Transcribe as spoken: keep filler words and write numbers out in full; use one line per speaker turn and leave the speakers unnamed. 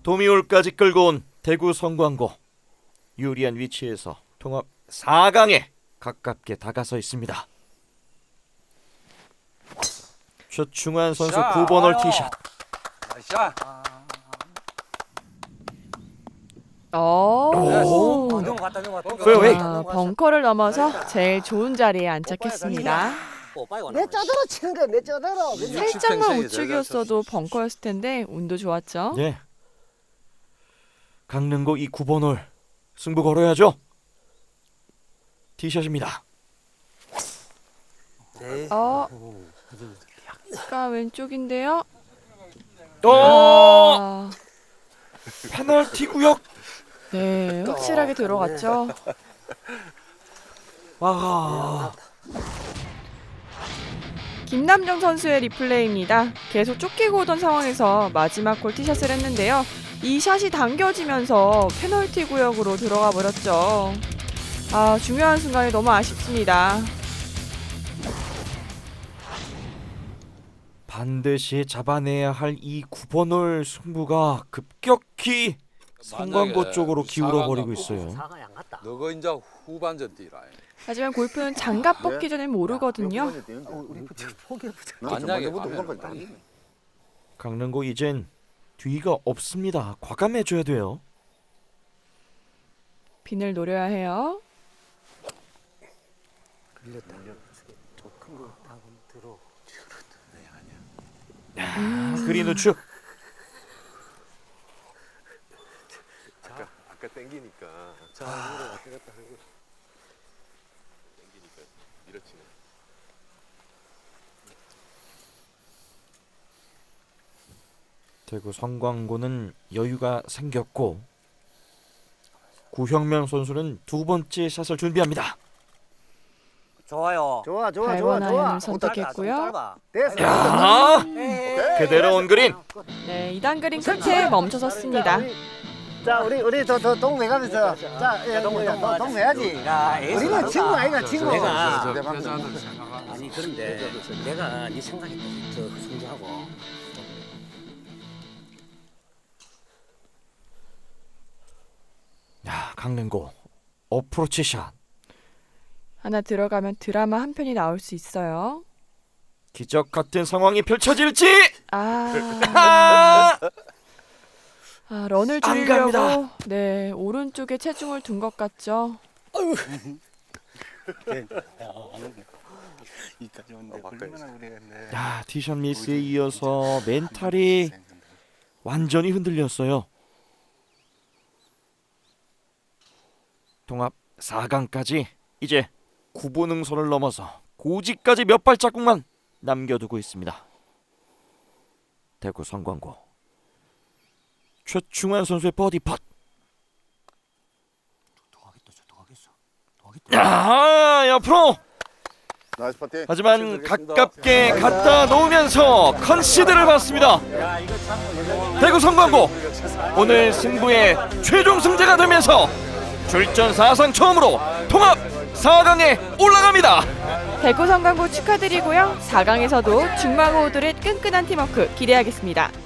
도미올까지 끌고 온 대구 성광고. 유리한 위치에서 통합 사 강에 가깝게 다가서 있습니다. 최충환 선수 구 번 홀 티샷.
샷.
오.
어, 넘어갔다 넘어갔다.
페어웨이.
아, 벙커를 넘어서 제일 좋은 자리에 안착했습니다.
내 쪼대로 치는 거야, 내 쪼대로.
살짝만 우측이었어도 벙커였을 텐데 운도 좋았죠.
예. 강릉고 이 구 번 홀 승부 걸어야죠. 티샷입니다.
네.
어. 약간 왼쪽인데요.
어!
아,
페널티 구역.
네, 확실하게 들어갔죠.
아.
김남정 선수의 리플레이입니다. 계속 쫓기고 오던 상황에서 마지막 골 티샷을 했는데요. 이 샷이 당겨지면서 페널티 구역으로 들어가 버렸죠. 아, 중요한 순간이 너무 아쉽습니다.
반드시 잡아내야 할 이 구 번 홀 승부가 급격히 성광고 쪽으로 기울어 버리고 있어요.
사과에 안 갔다.
너가 이제 후반전 뛰라.
하지만 골프는 장갑 벗기 전엔 모르거든요.
우리 포기해보자.
만약에 가면
강릉고 이젠 뒤가 없습니다. 과감해줘야 돼요.
빈을 노려야 해요.
큰거 다음 들어.
아, 그린 우측.
아까 아까 땡기니까
자, 이거 왔다 갔다 하고.
땡기니까 밀어치네.
대구 성광고는 여유가 생겼고 구형명 선수는 두 번째 샷을 준비합니다.
좋아요.
좋아, 좋아,
발
좋아,
번
좋아.
아이언을 선택했고요.
됐어.
야,
오케이.
그대로 온 그린.
네, 이 단 그린 끝에 멈춰섰습니다.
자, 우리 우리 더더 동네 가면서 자, 예, 동네 동네 해야지. 우리는 친구 아이가 친구.
내가
내 방금.
아니 그런데 내가 네 생각이 더 순수하고
야, 강릉고 어프로치 샷.
하나 들어가면 드라마 한 편이 나올 수 있어요.
기적 같은 상황이 펼쳐질지.
아,
아!
아 런을
안
줄이려고
갑니다.
네 오른쪽에 체중을 둔 것 같죠.
이까지 온데
어,
얼마나 그랬네.
야, 티샷 미스에 이어서 멘탈이 완전히 흔들렸어요. 통합 사 강까지 이제 구보능선을 넘어서 고지까지 몇 발자국만 남겨두고 있습니다. 대구 성광고 최충환 선수의 버디 팟.
더 하겠다, 더 하겠어, 더 하겠다.
야, 옆으로.
나이스 파티.
하지만 가깝게 갖다 놓으면서 컨시드를 받습니다. 대구 성광고 오늘 승부의 최종 승자가 되면서 출전 사상 처음으로 통합 사 강에 올라갑니다.
대구 성광고 축하드리고요. 사 강에서도 중마고우들의 끈끈한 팀워크 기대하겠습니다.